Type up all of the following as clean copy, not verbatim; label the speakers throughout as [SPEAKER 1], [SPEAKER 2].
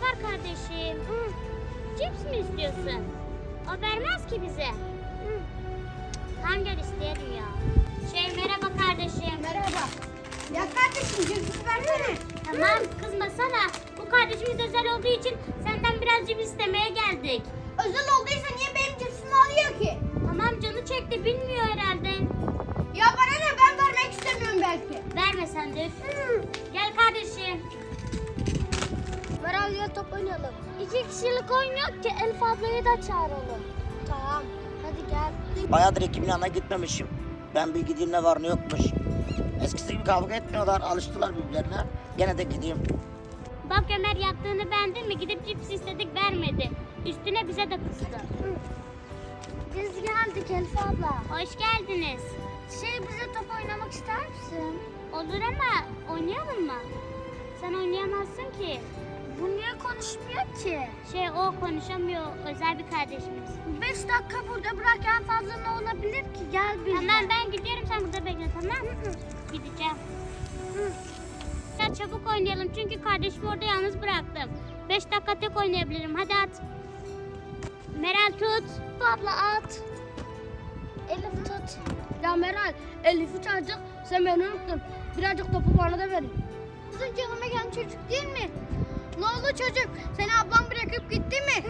[SPEAKER 1] var kardeşim? Cips mi istiyorsun? O vermez ki bize. Tam gel isteyelim ya. Merhaba kardeşim.
[SPEAKER 2] Merhaba. Ya kardeşim cipsi versene.
[SPEAKER 1] Tamam kızmasana. Bu kardeşimiz özel olduğu için senden biraz cips istemeye geldik.
[SPEAKER 2] Özel olduysa niye benim cipsimi alıyor ki?
[SPEAKER 1] Tamam canı çekti bilmiyor herhalde.
[SPEAKER 2] Ya bana ne, ben vermek istemiyorum belki.
[SPEAKER 1] Verme sen de. Gel kardeşim.
[SPEAKER 2] Meral ya top oynayalım.
[SPEAKER 1] 2 kişilik oyun yok ki, Elif ablayı da çağıralım.
[SPEAKER 2] Tamam hadi gel.
[SPEAKER 3] Bayağıdır ekibin yanına gitmemişim. Ben bir gideyim ne var ne yokmuş. Eskisi gibi kavga etmiyorlar, alıştılar birbirlerine. Gene de gideyim.
[SPEAKER 1] Bak Ömer yaptığını beğendin mi? Gidip cips istedik vermedi. Üstüne bize de kızdı.
[SPEAKER 2] Biz geldik Elif abla.
[SPEAKER 1] Hoş geldiniz.
[SPEAKER 2] Bize top oynamak ister misin?
[SPEAKER 1] Olur ama oynayalım mı? Sen oynayamazsın ki.
[SPEAKER 2] Bu niye konuşmuyor ki?
[SPEAKER 1] O konuşamıyor, özel bir kardeşimiz.
[SPEAKER 2] 5 dakika burada bırak, en fazla ne olabilir ki? Gel bizle.
[SPEAKER 1] Tamam ben gidiyorum, sen burada bekle, tamam mı? Gideceğim. Biraz çabuk oynayalım çünkü kardeşimi orada yalnız bıraktım. 5 dakika tek oynayabilirim, hadi at. Meral tut.
[SPEAKER 2] Abla at. Elif tut. Ya Meral, Elif'i çağıracak. Sen beni unuttun. Birazcık topu bana da verin. Kızın canıma gelen çocuk değil mi? Ne oldu çocuk? Seni ablam bırakıp gitti mi?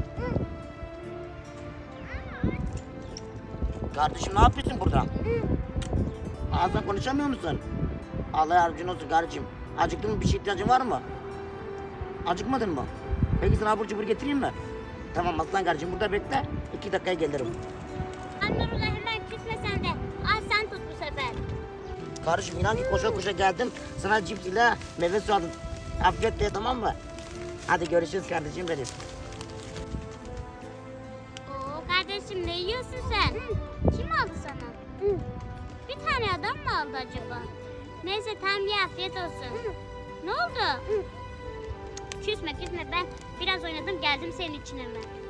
[SPEAKER 3] Kardeşim ne yapıyorsun burada? Ağzına konuşamıyor musun? Allah yardımcın olsun kardeşim. Acıktın mı, bir şey ihtiyacın var mı? Acıkmadın mı? Peki sana abur cubur getireyim mi? Tamam aslan kardeşim, burada bekle. 2 dakikaya gelirim.
[SPEAKER 1] Nurullah hemen küsme sen de. Al sen tut bu sefer.
[SPEAKER 3] Kardeşim inan ki koşa koşa geldim. Sana cips ile meyve suyu aldım. Afiyetle, tamam mı? Hadi görüşürüz kardeşim benim.
[SPEAKER 1] Oo kardeşim, ne yiyorsun sen? Kim aldı sana? Bir tane adam mı aldı acaba? Neyse tamam, ye, afiyet olsun. Ne oldu? Küsme ben biraz oynadım, geldim senin için hemen.